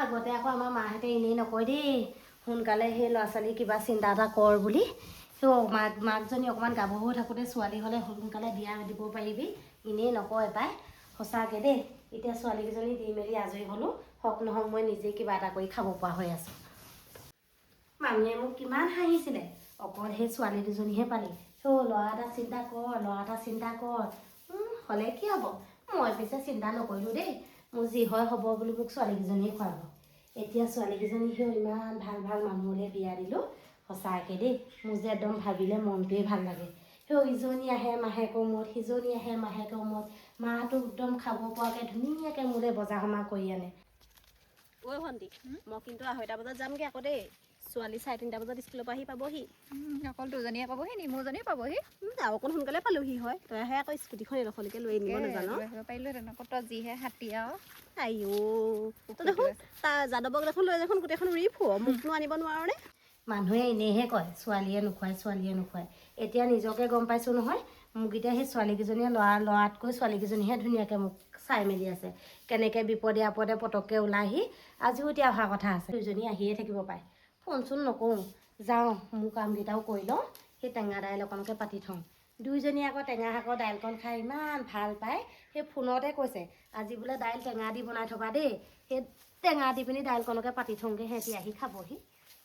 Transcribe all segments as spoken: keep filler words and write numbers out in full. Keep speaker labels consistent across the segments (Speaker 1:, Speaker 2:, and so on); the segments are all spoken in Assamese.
Speaker 1: আগতে আকৌ আমাৰ মাহঁতে এনেই নকয় দেই সোনকালে সেই ল'ৰা ছোৱালী কিবা চিন্তা এটা কৰ বুলি সেই মাক মাকজনী অকণমান গাভৰু হৈ থাকোঁতে ছোৱালী হ'লে সোনকালে বিয়া দিব পাৰিবি এনেই নকয় পাই সঁচাকৈ দেই এতিয়া ছোৱালীকেইজনী দি মেলি আজৰি হ'লোঁ হওক নহওক মই নিজেই কিবা এটা কৰি খাব পৰা হৈ আছোঁ মানুহে মোক কিমান হাঁহিছিলে অকল সেই ছোৱালী দুজনীহে পালি সেই ল'ৰা এটা চিন্তা কৰ ল'ৰা এটা চিন্তা কৰ হ'লে কি হ'ব মই পিছে চিন্তা নকৰিলোঁ দেই মোৰ যি হয় হ'ব বুলি মোক ছোৱালীকেইজনীয়ে খুৱাব এতিয়া ছোৱালীকেইজনী সেই ইমান ভাল ভাল মানুহলৈ বিয়া দিলোঁ সঁচাকৈ দেই মোৰ যে একদম ভাবিলে মনটোৱে ভাল লাগে সেই ইজনী আহে মাহেকৰ মূৰত সিজনী আহে মাহেকৰ মূৰত মাহটো একদম খাব পৰাকৈ ধুনীয়াকৈ মোলৈ বজাৰ সমাৰ কৰি আনে ঐ ভণ্টি মই কিন্তু আঢ়ৈটা বজাত যামগৈ আকৌ দেই ছোৱালী চাৰে তিনিটা বজাত স্কুলৰ পৰা আহি পাবহি
Speaker 2: অকল দুজনীয়ে পাবহি নি মোৰজনীও পাবহি
Speaker 1: আৰু অকণ সোনকালে পালোহি হয় তইহে আকৌ স্কুটিখন এডোখৰলৈকে লৈ আনিব নাজানো
Speaker 2: পাৰিলোহেঁতেন আকৌ তই যিহে হাতী আৰু
Speaker 1: আইঅ তই দেখোন তাৰ যাদৱক দেখোন লৈ দেখোন গোটেইখন উৰি ফুৰ মোকনো আনিব নোৱাৰনে মানুহে এনেইহে কয় ছোৱালীয়ে নোখোৱায় ছোৱালীয়ে নোখোৱায় এতিয়া নিজকে গম পাইছোঁ নহয় মোক এতিয়া সেই ছোৱালীকেইজনীয়ে ল'ৰা ল'ৰাতকৈ ছোৱালীকেইজনীহে ধুনীয়াকৈ মোক চাই মেলি আছে কেনেকৈ বিপদে আপদে পটককৈ ওলাই আহি আজিও এতিয়া অহা কথা আছে দুজনী আহিয়ে থাকিব পাৰে ফোন চোন নকৰোঁ যাওঁ মোৰ কামকেইটাও কৰি লওঁ সেই টেঙা দাইল অকণকৈ পাতি থওঁ দুইজনীয়ে আকৌ টেঙা শাকৰ দাইলকণ খাই ইমান ভাল পায় সেই ফোনতে কৈছে আজি বোলে দাইল টেঙা দি বনাই থবা দেই সেই টেঙা দি পিনি দাইলকণকে পাতি থওঁগৈ সিহঁতি আহি খাবহি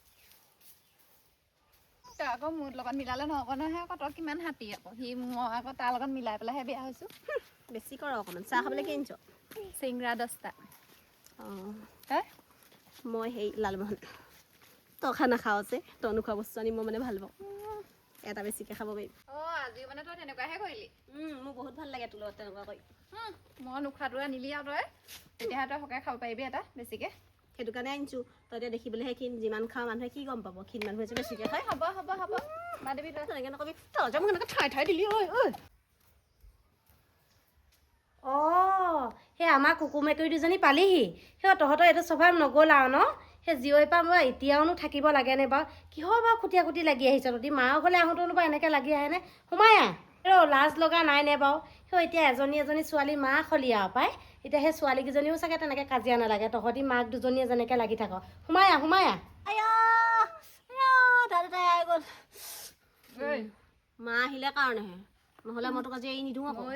Speaker 2: তই আকৌ মোৰ লগত মিলালে নহ'ব নহয় আকৌ তই কিমান হাতী আকৌ সি মই আকৌ তাৰ লগত মিলাই পেলাইহে বিয়া হৈছোঁ
Speaker 1: বেছি কৰ অকণমান চাহ খাবলৈ কি আনিছ
Speaker 2: চিংৰা দহটা
Speaker 1: অঁ
Speaker 2: তই
Speaker 1: মই সেই লালমোহন তই খাই নাখাওঁ যে তই নোখোৱা বস্তু আনি মই মানে ভাল পাওঁ এটা বেছিকৈ খাব পাৰিম
Speaker 2: অঁ আজিও মানে তই তেনেকুৱাহে কৰিলি
Speaker 1: মোৰ বহুত ভাল লাগে তোৰ লগত তেনেকুৱা কৰি
Speaker 2: মই নোখোৱাটো আনিলি আৰু তই তেতিয়াহে তই সকাই খাব পাৰিবি এটা বেছিকৈ
Speaker 1: সেইটো কাৰণে আনিছোঁ তই এতিয়া দেখিবলৈহে ক্ষীণ যিমান খাওঁ মানুহে কি গম পাব ক্ষীণ মানুহে যে বেছিকৈ খায়
Speaker 2: হ'ব হ'ব হ'ব মা দেৱী তই
Speaker 1: তেনেকৈ নকবি তই যে মোক এনেকৈ ঠাই ঠাই দিলি ঐ ঐ অঁ সেই আমাৰ কুকুৰ মেকুৰী দুজনী পালিহি সেই তহঁতৰ এইটো স্বভাৱ নগ'ল আৰু ন সেই জীয়ৰ পৰা মই এতিয়াওনো থাকিব লাগেনে বাৰু কিহৰ বাৰু খুটিয়া খুটি লাগি আহিছ তহঁতি মাৰ ঘৰলৈ আহোঁতেনো বাৰু এনেকৈ লাগি আহেনে সোমাই আহ ৰ লাজ লগা নাইনে বাৰু সেই এতিয়া এজনী এজনী ছোৱালী মাক হলি আৰু পাই এতিয়া সেই ছোৱালীকেইজনীও চাগে তেনেকৈ কাজিয়া নালাগে তহঁতি মাক দুজনীয়ে যেনেকৈ লাগি থাক সোমাই আহ সোমাই আহ দাদা গ'ল মা আহিলে কাৰণেহে নহ'লে মই তোক আজি এৰি নিদিওঁ আকৌ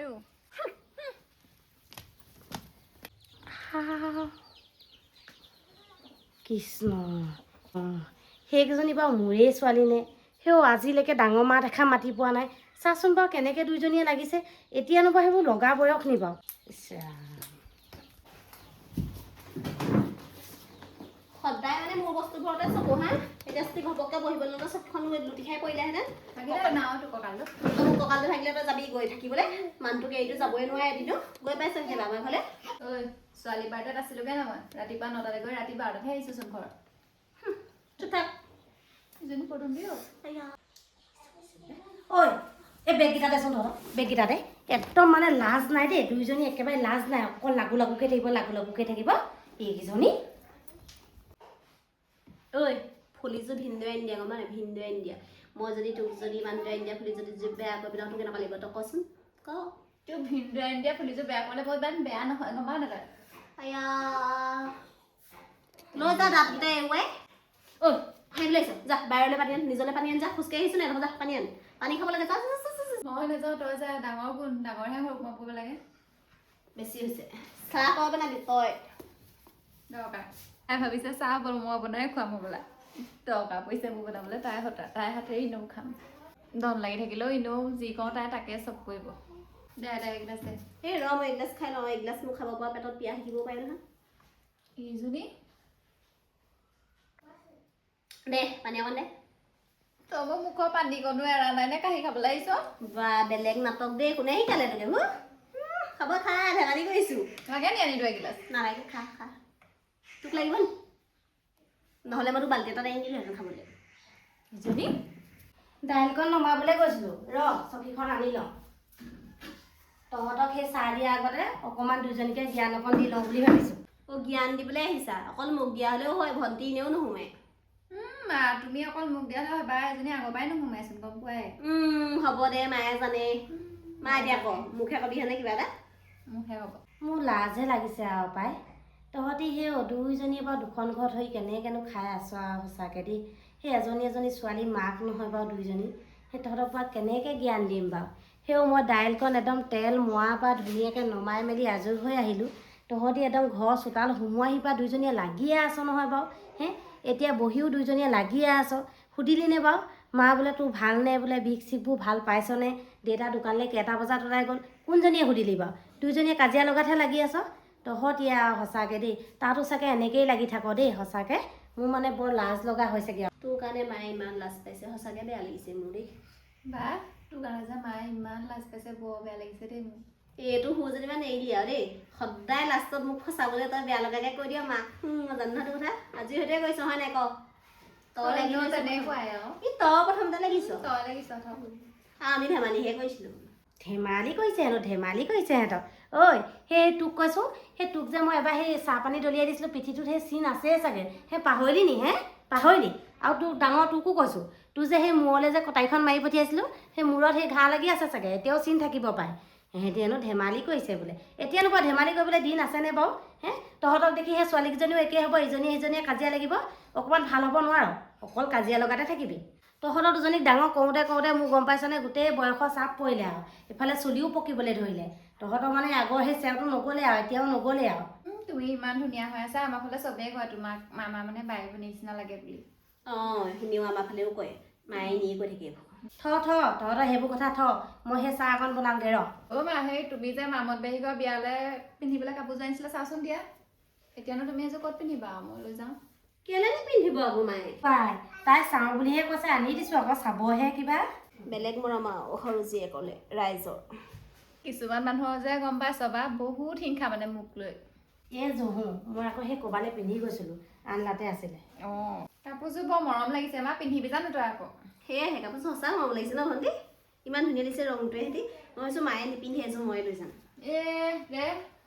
Speaker 1: কৃষ্ণ সেইকেইজনী বাৰু মোৰেই ছোৱালী নে সেও আজিলৈকে ডাঙৰ মা দেখা মাতি পোৱা নাই চাচোন বাৰু কেনেকৈ দুইজনীয়ে লাগিছে এতিয়ানো বাৰু সেইবোৰ লগা বয়স নি বাৰু সদায় মানে মোৰ বস্তুবোৰতে চকু হা এতিয়া যদি ঘপককৈ বহিবলৈ ল'লে চবখন লুটি খাই পৰিলেহেঁতেন মোৰ কঁকালটো থাকিলে তই যাবি গৈ থাকিবলৈ মানুহটোক এৰিটো যাবই নোৱাৰে এদিনো গৈ পাইছোন খেলা আমাৰ ঘৰলৈ
Speaker 2: ঐ ছোৱালী পাৰ্টত আছিলোগৈ নহয় ৰাতিপুৱা নটালৈ গৈ ৰাতি বাৰটাতহে আহিছোঁচোন ঘৰত
Speaker 1: থাক
Speaker 2: ইজনী পদুম দিও
Speaker 1: ঐ এই বেগকেইটা দেচোন ধৰ বেগকেইটাতে একদম মানে লাজ নাই দেই দুইজনী একেবাৰে লাজ নাই অকল লাগু লাগুকৈ থাকিব লাগু লাগুকৈ থাকিব এইকেইজনী ঐ ফুলিযোৰ ভিনদেউৱে আনি দিয়া গম পাই ভিনদেউৱে আনি দিয়া মই যদি তোক যদি মানুহটোৱে আনি দিয়া ফুলি যদি বেয়া কৰি পেলাওঁ তোক কেনেকুৱা লাগিব তই কচোন ক
Speaker 2: তোৰ ভিনদেউৱে আনি দিয়া ফুলিযোৰ বেয়া কৰিলে বৰ ইমান বেয়া নহয় গম পাৱ নাপায়
Speaker 1: আয়া লৈ যা দাঁতকেইটা এৰুৱাই ঐ খাই লৈছ যা বাহিৰলৈ পানী আন নিজলৈ পানী আন যা খোজকাঢ়ি আহিছোঁ নাই যা পানী আন পানী খাব লাগে যা
Speaker 2: মই নাযাওঁ তই যা ডাঙৰ কোন ডাঙৰহে সৰু মই কৰিব লাগে
Speaker 1: বেছি হৈছে চাহ খাব বনাবি তই
Speaker 2: দৰকাৰ তাই ভাবিছে চাহ বল মই বনাই খুৱাম হ'বলা দৰকাৰ পৰিছে মোৰ বনাবলৈ তাই হতা তাই হাতেৰে এনেও খাম ধন লাগি থাকিলেও এনেও যি কওঁ তাই তাকে চব কৰিব দে দে এগিলাচ দে
Speaker 1: এই ৰ মই এগিলাচ খাই লওঁ এগিলাচ মোক খাব পৰা পেটত পিয়াহ থাকিব পাৰে নহয়
Speaker 2: এইজনী
Speaker 1: দে পানী অকণ দে
Speaker 2: তই মোৰ মুখৰ পানী কণো এৰা নাই নে কাঢ়ি খাবলৈ আহিছ
Speaker 1: বা বেলেগ নাটক দেই কোনে শিকালে তোকে হো খাব খা ধেমালি কৰিছোঁ
Speaker 2: লাগে নি আনিলো এগিলাচ
Speaker 1: নালাগে খা খা তোক লাগিব নি নহ'লে মই তোক বাল্টি এটাত আনি দিলোহেঁতেন খাবলৈ
Speaker 2: ইজনী
Speaker 1: দাইলকণ নমাবলৈ গৈছিলোঁ ৰ চকীখন আনি লওঁ তহঁতক সেই চাহ দিয়াৰ আগতে অকণমান দুজনীকে জ্ঞান অকণ দি লওঁ বুলি ভাবিছোঁ অ' জ্ঞান দিবলৈ আহিছা অকল মোক দিয়া হ'লেও হয় ভণ্টি এনেও নোসোমাই
Speaker 2: মা তুমি অকল মোক দিয়া হয় বা এজনী আগৰ পৰাই নোসোমাইচোন গম পোৱাই
Speaker 1: হ'ব দে মায়ে জানে মা এতিয়া ক মুখে কবিহেনে কিবা এটা
Speaker 2: মুখে হ'ব
Speaker 1: মোৰ লাজহে লাগিছে আৰু পাই তহঁতি সেই দুইজনীয়ে বাৰু দুখন ঘৰত হৈ কেনেকেনো খাই আছ আৰু সঁচাকৈ দেই। সেই এজনী এজনী ছোৱালী মাক নহয় বাৰু দুইজনী, সেই তহঁতৰ পৰা কেনেকৈ জ্ঞান দিম বাৰু। সেও মই দাইলকণ একদম তেল মৰাৰ পৰা ধুনীয়াকৈ নমাই মেলি আজৰি হৈ আহিলোঁ। তহঁতি একদম ঘৰ চোতাল সোমোৱাহি পৰা দুইজনীয়ে লাগিয়ে আছ নহয় বাৰু। হে এতিয়া বহিও দুইজনীয়ে লাগিয়ে আছ। সুধিলিনে বাৰু মা বোলে তোৰ ভালনে বোলে, বিষ চিকবোৰ ভাল পাইছনে? দেউতা দোকানলৈ কেইটা বজাত ওলাই গ'ল? কোনজনীয়ে সুধিলি বাৰু? দুইজনীয়ে কাজিয়া লগাতহে লাগি আছ। তহঁতি আৰু সঁচাকৈ দেই, তাতো চাগে এনেকৈয়ে লাগি থাক দেই সঁচাকৈ। মোৰ মানে বৰ লাজ লগা হৈছেগৈ আৰু তোৰ কাৰণে মায়ে ইমান লাজ পাইছে, সঁচাকৈ বেয়া লাগিছে মোৰ দেই।
Speaker 2: বা তোৰ কাৰণে যে মায়ে ইমান লাজ পাইছে, বৰ বেয়া লাগিছে দেই মোৰ।
Speaker 1: এইটো মোৰ যেনিবা নেৰিলি আৰু দেই, সদায় লাষ্টত মোক ফচাবলৈ তই বেয়া লগাকৈ কৈ দিয় মাক। মই জানো নহয় তোৰ কথা, আজি সৈতে কৈছ হয় নাই ক? তই লাগি
Speaker 2: তেনেকুৱাই আৰু
Speaker 1: ই তই প্ৰথমতে লাগিছ।
Speaker 2: তই লাগিছ থ
Speaker 1: আমি ধেমালিহে কৰিছিলোঁ। ধেমালি কৰিছে হেনো, ধেমালি কৰিছে সিহঁতক। ঐ সেই তোক কৈছোঁ, সেই তোক যে মই এবাৰ সেই চাহ পানী দলিয়াই দিছিলোঁ পিঠিটোত সেই চিন আছেই চাগে, সেই পাহৰিলি নি হে? পাহৰিলি? আৰু তোৰ ডাঙৰ তোকো কৈছোঁ, তোৰ যে সেই মূৰলৈ যে কটাৰীখন মাৰি পঠিয়াইছিলোঁ, সেই মূৰত সেই ঘাঁ লাগি আছে চাগে, এতিয়াও চিন থাকিব পাৰে। সিহঁতি হেনো ধেমালি কৰিছে বোলে। এতিয়া নোপোৱা ধেমালি কৰিবলৈ দিন আছেনে বাৰু? হে তহঁতক দেখি সেই ছোৱালীকেইজনীও একেই হ'ব, ইজনীয়ে সিজনীয়ে কাজিয়া লাগিব, অকণমান ভাল হ'ব নোৱাৰ, অকল কাজিয়া লগাতে থাকিবি। তহঁতৰ দুজনীক ডাঙৰ কৰোঁতে কৰোঁতে মোৰ গম পাইছনে গোটেই বয়সৰ চাপ পৰিলে আৰু ইফালে চুলিও পকিবলৈ ধৰিলে। তহঁতৰ মানে আগৰ সেই চেওটো নগ'লে আৰু এতিয়াও নগ'লে আৰু।
Speaker 2: তুমি ইমান ধুনীয়া হৈ আছা, আমাৰ ফালে চবেই কয় তোমাক মামা মানে বাই ভনী নিচিনা লাগে বুলি।
Speaker 1: অঁ সেইখিনিও আমাৰ ফালেও কয়, মায়ে নিয়ে কৈ থাকে এইবোৰ। থ থ তহঁতৰ সেইবোৰ কথা থ, মই সেই চাহ অকণ বনাওঁগৈ ৰ।
Speaker 2: অ' মা সেই তুমি যে মামত বাহিৰৰ বিয়ালৈ পিন্ধিবলৈ কাপোৰযোৰ আনিছিলা চাচোন দিয়া। এতিয়ানো তুমি এযোৰ ক'ত পিন্ধিবা আৰু মই লৈ যাওঁ।
Speaker 1: কেলে নিপিন্ধিব আকৌ মায়ে? পাই তাই চাওঁ বুলিহে কৈছে, আনি দিছোঁ আকৌ চাবহে কিবা। বেলেগ মৰম আৰু সৰু জীয়েকলে ৰাইজৰ।
Speaker 2: কিছুমান মানুহৰ যে গম পাইছ বা বহুত হিংসা মানে মোক লৈ।
Speaker 1: এই জহো মই আকৌ সেই ক'বালৈ পিন্ধি গৈছিলোঁ, আনলাতে আছিলে।
Speaker 2: অঁ কাপোৰযোৰ বৰ মৰম লাগিছে, মা পিন্ধিবি জানো তই আকৌ?
Speaker 1: সেয়াহে কাপোৰযোৰ সঁচা মৰম লাগিছে ন ভণ্টি? ইমান ধুনীয়া দিছে ৰংটোৱে সিহঁতি। মই ভাবিছোঁ মায়ে নিপিন্ধে এযোৰ মই লৈ যাম।
Speaker 2: এ দে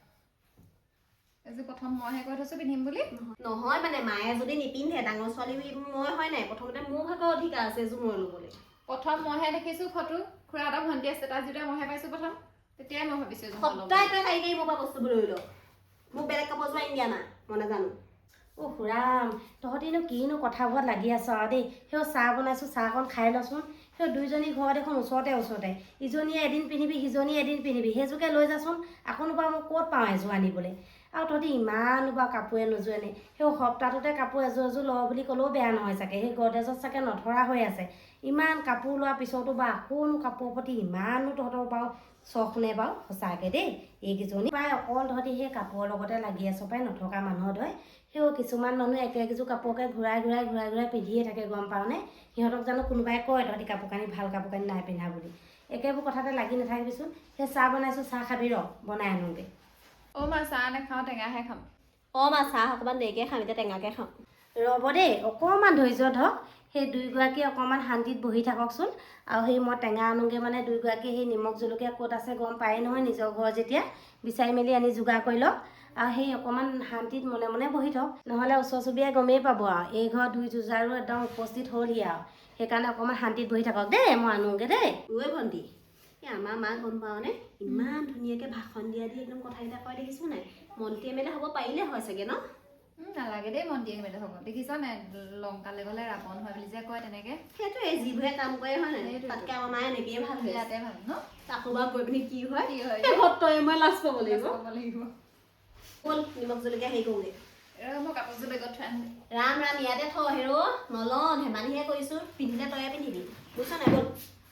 Speaker 2: এযোৰ প্ৰথম মইহে কৈ থৈছোঁ পিন্ধিম বুলি।
Speaker 1: নহয় মানে মায়ে যদি নিপিন্ধে, ডাঙৰ ছোৱালী মই হয় নাই, প্ৰথমতে মোৰ ভাগৰ অধিকাৰ আছে এযোৰ মই ল'বলৈ।
Speaker 2: প্ৰথম মইহে দেখিছোঁ ফটো, খুৰাহঁতৰ ভণ্টি আছে তাত যেতিয়া মইহে পাইছোঁ প্ৰথম, তেতিয়াই মই ভাবিছোঁ
Speaker 1: সদায় তই কাৰি কাৰি মোৰ পৰা বস্তুবোৰ লৈ ল। মোক বেলেগ কাপোৰযোৰ আনি দিয়া না, মই নাজানো। অ' খুৰাম তহঁতিনো কিনো কথাবোৰত লাগি আছ আৰু দেই। সেই চাহ বনাইছোঁ, চাহকণ খাই লচোন। সেই দুইজনী ঘৰত এখন ওচৰতে ওচৰতে, ইজনীয়ে এদিন পিন্ধিবি সিজনীয়ে এদিন পিন্ধিবি, সেইযোৰকে লৈ যাচোন। আকৌনো বাৰু মই ক'ত পাওঁ এযোৰ আনিবলৈ? আৰু তহঁতি ইমানো বাৰু কাপোৰে নোযোৰে নে? সেই সপ্তাহটোতে কাপোৰ এযোৰ এযোৰ ল বুলি ক'লেও বেয়া নহয় চাগে, সেই গডৰেজত চাগে নধৰা হৈ আছে। ইমান কাপোৰ লোৱাৰ পিছতো বা আকৌনো কাপোৰৰ প্ৰতি ইমানো তহঁতৰ বাৰু চখ নে বাৰু? সঁচাকৈ দেই এইকেইজনী প্ৰায় অকল তহঁতি সেই কাপোৰৰ লগতে লাগি আছ পাই, নথকা মানুহৰ ধৰে। সেই কিছুমান মানুহে একে একযোৰ কাপোৰকে ঘূৰাই ঘূৰাই ঘূৰাই ঘূৰাই পিন্ধিয়ে থাকে গম পাওঁনে? সিহঁতক জানো কোনোবাই কয় তহঁতি কাপোৰ কানি ভাল কাপোৰ কানি নাই পিন্ধা বুলি? একেবোৰ কথাতে লাগি নাথাকিবিচোন। সেই চাহ বনাইছোঁ, চাহ খাবি ৰ বনাই আনোগৈ।
Speaker 2: অ' মা চাহ নাখাওঁ, টেঙাহে খাম।
Speaker 1: অঁ মা চাহ অকণমান দেৰিকৈ খাম, এতিয়া টেঙাকৈ খাম। ৰ'ব দেই অকণমান ধৈৰ্য ধৰক, সেই দুইগৰাকী অকণমান শান্তিত বহি থাককচোন। আৰু সেই মই টেঙা আনোগৈ মানে দুইগৰাকী সেই নিমখ জলকীয়া ক'ত আছে গম পায়েই নহয়, নিজৰ ঘৰ যেতিয়া বিচাৰি মেলি আনি যোগাৰ কৰি লওক। আৰু সেই অকণমান শান্তিত মনে মনে বহি থওক, নহ'লে ওচৰ চুবুৰীয়াই গমেই পাব আৰু এই ঘৰ দুই যুঁজাৰো একদম উপস্থিত হ'লহি আৰু। সেইকাৰণে অকণমান শান্তিত বহি থাকক দেই, মই আনোগৈ দেই। ঐ ভণ্টি এই আমাৰ মাক গম পাওঁনে? ইমান ধুনীয়াকৈ ভাষণ দিয়া দি একদম কথাকেইটা কয় দেখিছোঁ নাই? মন্ত্ৰী এম এল এ হ'ব পাৰিলে হয় চাগে ন?
Speaker 2: নালাগে দেই মন্ত্ৰী এম এল এ হ'ব। দেখিছ নাই লংকালৈ গ'লে ৰাৱণ হয় বুলি যে কয় তেনেকৈ।
Speaker 1: সেইটোৱে যিবোৰে কাম কৰে হয় নাই? তাতকৈ আমাৰ মায়ে এনেকৈয়ে ভাল হয়।
Speaker 2: ইয়াতে ভাল ন?
Speaker 1: তাকো বাৰু গৈ পিনি কি হয়?
Speaker 2: কি হয়
Speaker 1: তই মই লাজ পাব লাগিব।
Speaker 2: লাগিব।
Speaker 1: ব'ল নিমখ জলকীয়া হেৰি কৰোঁগৈ।
Speaker 2: মই কাপোৰযোৰ বেগত থৈ আহোঁ।
Speaker 1: ৰাম ৰাম ইয়াতে থ হেৰ' নলওঁ, ধেমালিহে কৰিছোঁ। পিন্ধিলে তয়ে পিন্ধিবি বুজিছ নাই? ব'ল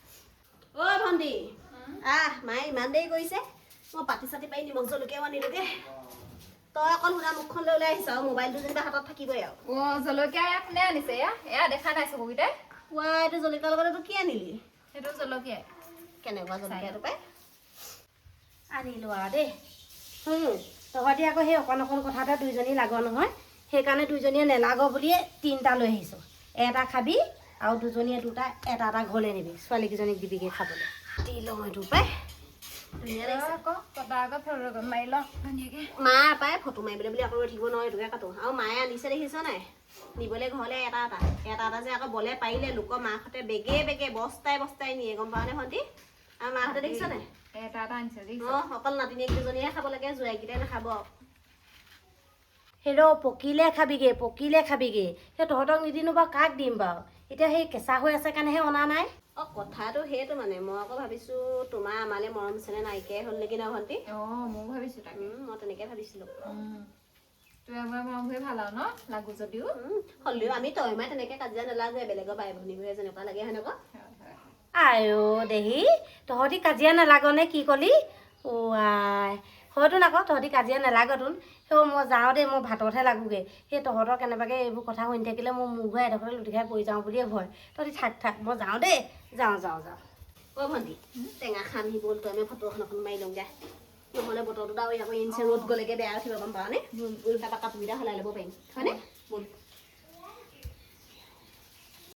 Speaker 1: অ' ভণ্টি আহ, মায়ে ইমান দেৰি কৰিছে, মই পাতি চাতি পাৰি নিমখ জলকীয়াও আনিলোগৈ। তই অকল সুধা মুখখন লৈ ওলাই আহিছ আৰু মোবাইলটো যেনিবা হাতত থাকিবই আৰু।
Speaker 2: অ' জলকীয়া এয়া কোনে আনিছে? এয়া এয়া দেখা নাই চকুকেইটাই।
Speaker 1: কোৱা এইটো জলকীয়াৰ লগতে তোৰ কি আনিলি?
Speaker 2: সেইটো জলকীয়াই।
Speaker 1: কেনেকুৱা জলকীয়াটো পাই? আনিলোঁ আৰু দেই। তহঁতি আকৌ সেই অকণ অকণ কথাতে দুইজনী লাগ নহয়, সেইকাৰণে দুইজনীয়ে নেলাগ বুলিয়ে তিনিটা লৈ আহিছোঁ। এটা খাবি আৰু দুজনীয়ে দুটা এটা এটা ঘৰলৈ নিবি, ছোৱালীকেইজনীক দিবিগৈ খাবলৈ। দি লওঁ এইটো পাই ধুনীয়া লাগিছে
Speaker 2: আকৌ কটা আকৌ ফটো মাৰি লওঁ ধুনীয়াকৈ।
Speaker 1: মা পাই ফটো মাৰিবলৈ বুলি আকৌ ৰৈ থাকিব নোৱাৰোঁ, এইটোকে কাটো। আৰু মায়ে আনিছে দেখিছ নাই নিবলৈ ঘৰলৈ এটা এটা এটা এটা যে আকৌ বলে পাৰিলে লোকৰ মাকহঁতে বেগে বেগে বস্তাই বস্তাই নিয়ে গম পাওঁনে ভণ্টি? আৰু মাহঁতে দেখিছ নাই
Speaker 2: এটা এটা আনিছে দেখিছ?
Speaker 1: অঁ অকল নাতিনীয়েক দুজনীহে খাব লাগে, জোৱাইকেইটাই নাখাব। সেইটো পকিলে খাবিগে পকিলে খাবিগে সেই তহঁতক নিদিনো বাৰু কাক দিম বাৰু এতিয়া সেই কেঁচা হৈ আছে কাৰণেহে অনা নাই
Speaker 3: অ কথাটো সেইটো মানে মই আকৌ ভাবিছো তোমাৰ আমালে মৰম চেনে নাইকিয়াই হ'ল নেকি ন ভণ্টি
Speaker 2: অঁ ময়ো ভাবিছোঁ তাকে
Speaker 3: উম মই তেনেকে ভাবিছিলো
Speaker 2: তই আমাৰ মৰম হৈ ভাল আৰু ন লাগো যদিও
Speaker 3: উম হ'লেও আমি তই মই তেনেকে কাজিয়া নালাগে বেলেগৰ বাই ভনীবোৰে যেনেকুৱা লাগে সেনেকুৱা
Speaker 1: আইও দেহি তহঁতি কাজিয়া নালাগনে কি কলি অ আই হয়তো আকৌ তহঁতি কাজিয়া নালাগতোন সেই মই যাওঁ দেই মই ভাততহে লাগোগে সেই তহঁতৰ কেনেবাকৈ এইবোৰ কথা শুনি থাকিলে মোৰ মূৰ ঘূৰাই এডোখৰতে লুটি খাই পৰি যাওঁ বুলিয়ে ভয় তহঁতি থাক থাক মই যাওঁ দেই যাওঁ যাওঁ যাওঁ
Speaker 3: অ ভণ্টি টেঙা খাম সি বল তই আমি ফটো এখন এখন মাৰি লওঁগে নহ'লে বতৰটো আৰু আকৌ ইনচে ৰ'দ গ'লেগে বেয়া উঠিব গম পাওঁ নে তাৰপৰা কাপোৰকেইটা সলাই ল'ব পাৰিম হয়নে বল